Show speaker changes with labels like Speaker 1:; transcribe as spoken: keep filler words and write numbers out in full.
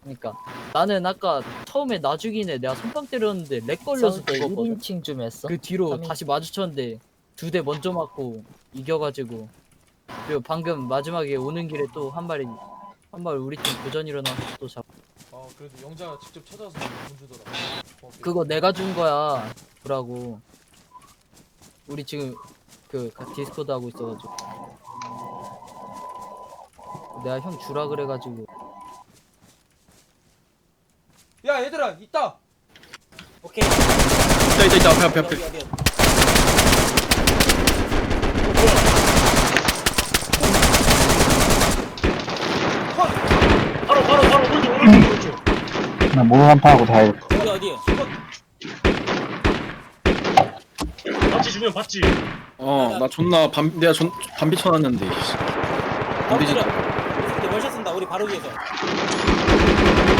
Speaker 1: 그러니까 나는 아까 처음에 나 죽인 애 내가 손빵 때렸는데 렉 걸려서
Speaker 2: 때
Speaker 1: 죽었거든.
Speaker 2: 일 인칭 좀 했어?
Speaker 1: 그 뒤로
Speaker 2: 삼 인...
Speaker 1: 다시 마주쳤는데 두 대 먼저 맞고 이겨가지고, 그리고 방금 마지막에 오는 길에 또 한 마리 한 마리 우리 팀 교전 일어나서 또 잡.
Speaker 3: 어 그래도 영자가 직접 찾아서 돈 주더라. 고맙게.
Speaker 1: 그거 내가 준 거야. 보라고. 우리 지금 그 디스코드 하고 있어가지고 내가 형 주라 그래가지고.
Speaker 3: 야 얘들아 있다.
Speaker 4: 오케이.
Speaker 5: 있다 있다 있다 앞에 앞에 앞에.
Speaker 4: 어디 어디.
Speaker 6: 바로 바로 바로 오른쪽 오른쪽 오른쪽.
Speaker 7: 나 모노한파하고 다 해.
Speaker 4: 어디 어디.
Speaker 6: 봤지 주면 봤지.
Speaker 5: 어나 존나 밤 내가 존 밤비 쳐놨는데.
Speaker 4: 바로
Speaker 5: 밤비
Speaker 4: 때려.
Speaker 5: 진짜.
Speaker 4: 이제 월샷 쓴다. 우리 바로 위에서.